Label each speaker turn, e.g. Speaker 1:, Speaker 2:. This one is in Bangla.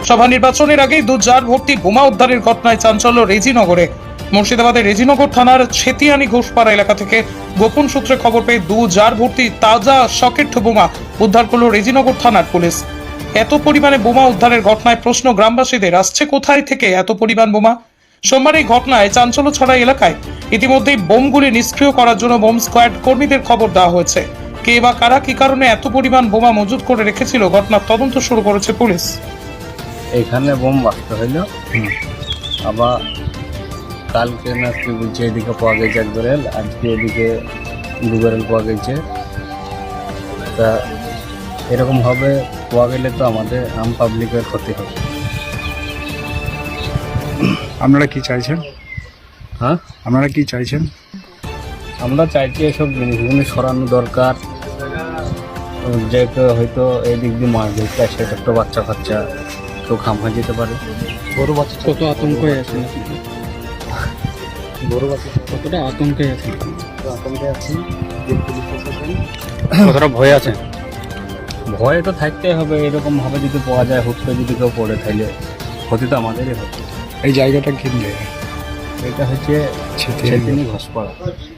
Speaker 1: সভা নির্বাচনের আগে 2 জার ভর্তি বোমা উদ্ধারের ঘটনায় চাঞ্চল্য রেজিনগরে। মুর্শিদাবাদের রেজিনগর থানার ছেতিয়ানি ঘোষপাড়া এলাকা থেকে গোপন সূত্রে খবর পেয়ে 2 জার ভর্তি তাজা সকেট বোমা উদ্ধার করল রেজিনগর থানার পুলিশ। এত পরিমাণে বোমা উদ্ধারের ঘটনায় প্রশ্ন গ্রামবাসীদের, আসছে কোথায় থেকে এত পরিমাণ বোমা? সোমবার এই ঘটনায় চাঞ্চল্য ছড়া এলাকায়। ইতিমধ্যেই বোমগুলি নিষ্ক্রিয় করার জন্য বোম স্কোয়াড কর্মীদের খবর দেওয়া হয়েছে। কে বা কারা কি কারণে এত পরিমাণ বোমা মজুত করে রেখেছিল, ঘটনার তদন্ত শুরু করেছে পুলিশ।
Speaker 2: এখানে বোম বাঁচতে হইল, আবার কালকে না কি বলছে এদিকে পাওয়া গেছে 1 ব্যারেল, আজকে এদিকে 2 ব্যারেল পাওয়া গেছে। তা এরকম হবে পাওয়া গেলে তো আমাদের আম পাবলিকের ক্ষতি হবে।
Speaker 3: আপনারা কি চাইছেন?
Speaker 2: হ্যাঁ,
Speaker 3: আপনারা কি চাইছেন?
Speaker 2: আমরা চাইছি এসব জিনিসগুলি সরানো দরকার। যে কেউ হয়তো এই দিক দিয়ে মাছ ধরতে আসে, একটা বাচ্চা কাচ্চা কেউ খাম হয়ে যেতে পারে।
Speaker 4: বড় বাচ্চা কত আতঙ্কে আছে,
Speaker 2: বড় বাচ্চা
Speaker 4: কতটা আতঙ্কে আছে,
Speaker 2: আতঙ্কে আছি,
Speaker 4: কতটা ভয় আছে?
Speaker 2: ভয় তো থাকতেই হবে। এরকম ভাবে যদি পাওয়া যায়, হুট করে যদি কেউ পড়ে তাহলে ক্ষতি তো আমাদেরই হবে।
Speaker 3: এই জায়গাটা কি জায়গা?
Speaker 2: এটা হচ্ছে
Speaker 3: ছেতিয়ানি
Speaker 2: ছেতিয়ানি ঘোষপাড়া।